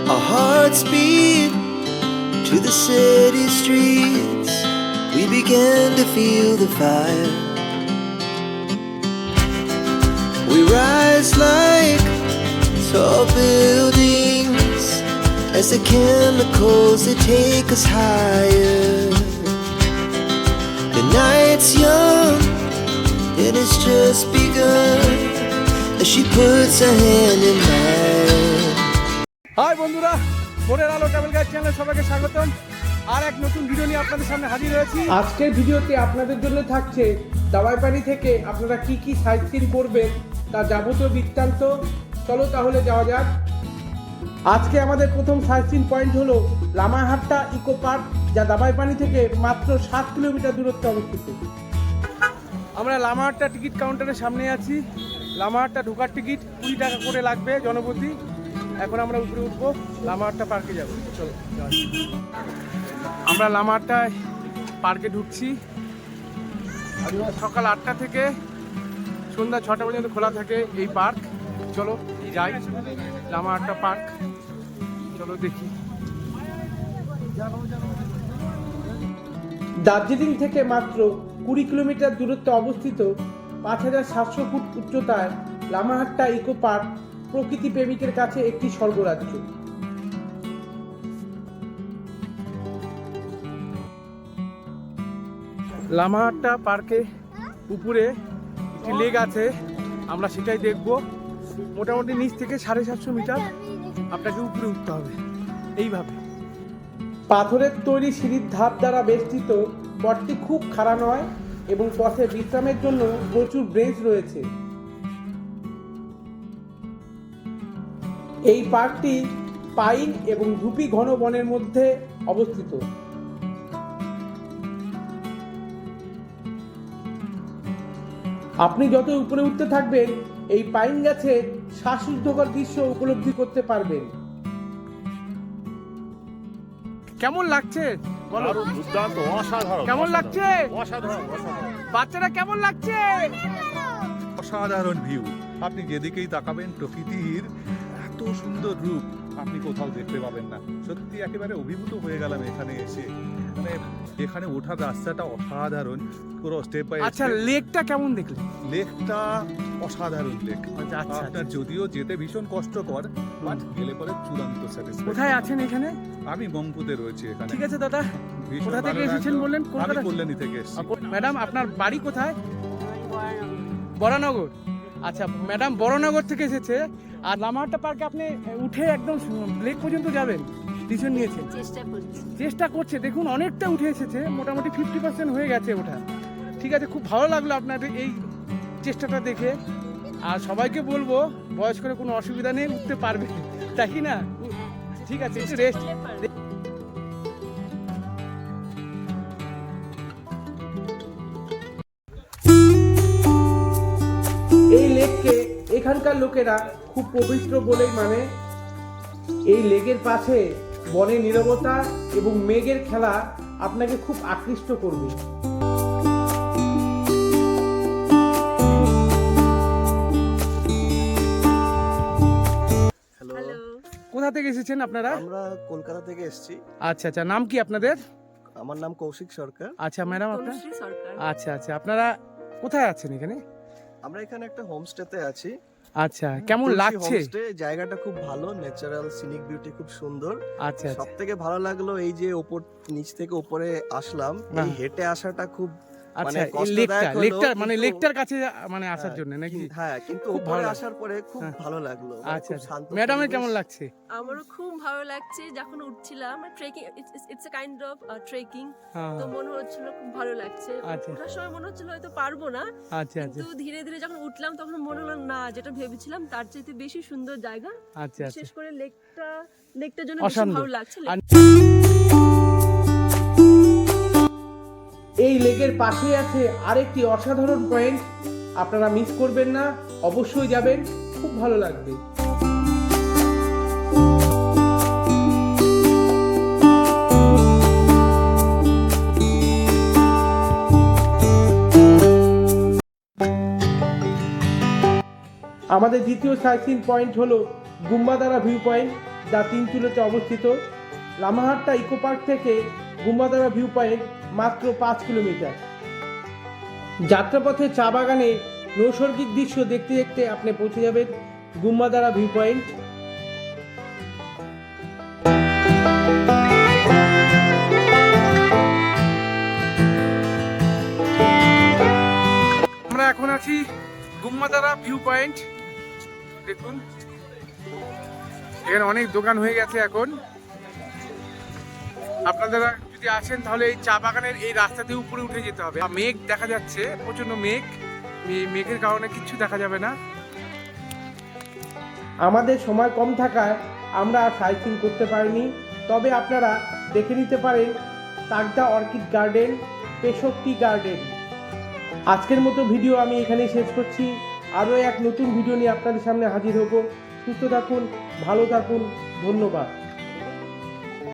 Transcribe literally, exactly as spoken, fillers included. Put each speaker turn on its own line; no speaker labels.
Our hearts beat to the city streets. We began to feel the fire. We rise like tall buildings as the chemicals they take us higher. The night's young and it's just begun as she puts her hand in mine.
Hi বন্ধুরা, ভোরের আলো travel guide চ্যানেলে সবাইকে স্বাগতম। আর এক নতুন video নিয়ে আপনাদের সামনে হাজির হয়েছি। আজকের ভিডিওতে আপনাদের জন্য থাকছে দাবাইপানি থেকে আপনারা কি কি সাইট সিন করবেন তার যাবতীয় বৃত্তান্ত। চলো তাহলে যাওয়া যাক। আজকে আমাদের প্রথম সাইট সিন পয়েন্ট হলো লামাহাট্টা ইকো পার্ক, যা দাবাইপানি থেকে মাত্র সাত কিলোমিটার দূরত্বে অবস্থিত। আমরা লামাহাট্টা টিকিট কাউন্টারের সামনে আছি। লামাহাট্টা ঢোকার টিকিট কুড়ি টাকা করে লাগবে জনপ্রতি। এখন আমরা উপরে উঠবো, লামাহাট্টা পার্কে যাব। চলো আমরা লামাহাট্টা পার্কে ঢুকছি। সকাল আটটা থেকে সন্ধ্যা ছটা পর্যন্ত খোলা থাকে এই পার্ক। চলো যাই লামাহাট্টা পার্ক, চলো দেখি। দার্জিলিং থেকে মাত্র কুড়ি কিলোমিটার দূরত্বে অবস্থিত পাঁচ হাজার সাতশো ফুট উচ্চতায় লামাহাট্টা ইকো পার্ক প্রকৃতি প্রেমিকের কাছে একটি স্বর্গরাজ্য। লামাহাট্টা পার্কে উপরে একটি লেক আছে, আমরা সেটাই দেখব। মোটামুটি নিচ থেকে সাড়ে সাতশো মিটার আপনাকে উপরে উঠতে হবে এইভাবে। পাথরের তৈরি সিঁড়ির ধাপ দ্বারা বেষ্টিত পথটি খুব খাড়া নয় এবং পথে বিশ্রামের জন্য প্রচুর ব্রেঞ্চ রয়েছে। এই পার্কটি পাইন এবং ধুপি ঘন বনের মধ্যে অবস্থিত। আপনি যত উপরে উঠতে থাকবেন এই পাইন গাছে শ্বাসরুদ্ধকর দৃশ্য উপলব্ধি করতে পারবেন। কেমন লাগছে বলো?
দুর্দান্ত, অসাধারণ।
কেমন লাগছে?
অসাধারণ, অসাধারণ।
বাচ্চারা কেমন লাগছে?
অসাধারণ ভিউ। আপনি যেদিকেই তাকাবেন প্রকৃতির এত সুন্দর রূপ আপনি কোথাও দেখতে পাবেন না। সত্যি একেবারে অভিভূত হয়ে গেলাম এখানে এসে। মানে এখানে ওঠার রাস্তাটা অসাধারণ, পুরো স্টেপ বাই স্টেপ।
আচ্ছা, লেকটা কেমন দেখলে?
লেকটা অসাধারণ লেক।
আচ্ছা, আচ্ছা,
আপনার যদিও যেতে ভীষণ কষ্টকর, বাট গেলে পরে চূড়ান্ত স্যাটিসফ্যাকশন।
কোথায় আছেন এখানে?
আমি মংপুতে রয়েছি এখানে।
ঠিক আছে দাদা,
ভীষণ
কোথা থেকে
ভালো
এসেছেন
লাগলো।
বললেন?
আমি
কলকাতা
কল্যাণী থেকে এসেছি।
ম্যাডাম আপনার বাড়ি কোথায়? বরানগর। আচ্ছা ম্যাডাম বরানগর থেকে এসেছে। আর লামাহাট্টা পার্কে আপনি উঠে একদম লেক পর্যন্ত যাবেন, ডিসিশন নিয়েছেন?
চেষ্টা করছি।
চেষ্টা করছে। দেখুন অনেকটা উঠে এসেছে, মোটামুটি ফিফটি পার্সেন্ট হয়ে গেছে ওঠা। ঠিক আছে, খুব ভালো লাগলো আপনার এই চেষ্টাটা দেখে। আর সবাইকে বলবো বয়স্করা কোনো অসুবিধা নেই, উঠতে পারবে, তাই কি না? ঠিক আছে, একটু রেস্ট। এই লেককে এখানকার লোকেরা খুব পবিত্র বলেই মানে। এই লেকের পাশে বনের নীরবতা এবং মেঘের খেলা আপনাকে খুব আকৃষ্ট করবে।
হ্যালো।
কোথা থেকে এসেছেন আপনারা?
আমরা কলকাতা থেকে এসেছি।
আচ্ছা আচ্ছা, নাম কি আপনাদের?
আমার নাম কৌশিক সরকার।
আচ্ছা ম্যাডাম আপনার?
তনুশ্রী সরকার।
আচ্ছা আচ্ছা, আপনারা কোথায় আছেন এখানে?
আমরা এখানে একটা হোমস্টেতে আছি।
আচ্ছা, কেমন
তুলসী
লাগছে?
হোমস্টে, জায়গাটা খুব ভালো, ন্যাচারাল সিনিক বিউটি খুব সুন্দর।
আচ্ছা
সব
আচ্ছা
থেকে ভালো লাগলো এই যে ওপর নিচ থেকে উপরে আসলাম, এই হেঁটে আসাটা খুব মানে
আচ্ছা, এই
কষ্টদায়ক
লেকটা
হলো,
লেকটা মানে
কিন্তু-
লেকটার কাছে মানে আসার
হ্যাঁ,
জন্য নাকি?
কি- হ্যাঁ, কিন্তু
খুব
উপরে
ভালো
আসার পরে খুব
হ্যাঁ।
ভালো লাগলো। মানে
আচ্ছা
খুব
আচ্ছা,
শান্ত
ম্যাডামের
পরিবেশ।
কেমন লাগছে?
আমারও খুব ভালো লাগছে। যখন উঠছিলাম trekking, it's a kind of trekking,
হ্যাঁ,
তো মনে হচ্ছিল খুব ভালো লাগছে।
আচ্ছা।
ওঠার সময় মনে হচ্ছিল হয়তো পারবো না,
আচ্ছা আচ্ছা
কিন্তু ধীরে ধীরে যখন উঠলাম তখন মনে হলো না, যেটা ভেবেছিলাম তার চাইতে বেশি সুন্দর জায়গা।
আচ্ছা আচ্ছা।
বিশেষ করে লেকটা, লেকটার জন্য বেশি
অসাধারণ।
ভালো লাগছে।
আর এই লেকের পাশে আছে আরেকটি অসাধারণ পয়েন্ট, আপনারা মিস করবেন না, অবশ্যই যাবেন, খুব ভালো লাগবে। আমাদের দ্বিতীয় সাইট সিন পয়েন্ট হলো গুম্বাদারা ভিউ পয়েন্ট, যা তিনচুলেতে অবস্থিত। লামাহাট্টা ইকো পার্ক থেকে গুম্বাদারা ভিউ পয়েন্ট মাত্র পাঁচ কিলোমিটার। যাত্রাপথে চা বাগানে নৈসর্গিক দৃশ্য দেখতে দেখতে আপনি পৌঁছে যাবেন গুম্বাদারা ভিউ পয়েন্ট। আমরা এখন আছি গুম্বাদারা ভিউ পয়েন্ট। দেখুন এখানে অনেক দোকান হয়ে গেছে এখন। আপনারা যদি আসেন তাহলে এই চা বাগানের এই রাস্তাতে উপরে উঠে যেতে হবে। মেঘ দেখা যাচ্ছে, প্রচন্ড মেঘ, মেঘের কারণে কিচ্ছু দেখা যাবে না। আমাদের সময় কম থাকায় আমরা সাইট সিন করতে পারিনি, তবে আপনারা দেখে নিতে পারেন Tagda orchid garden, Peshok garden. আজকের মতো ভিডিও আমি এখানেই শেষ করছি। আরও এক নতুন ভিডিও নিয়ে আপনাদের সামনে হাজির হব। সুস্থ থাকুন, ভালো থাকুন, ধন্যবাদ।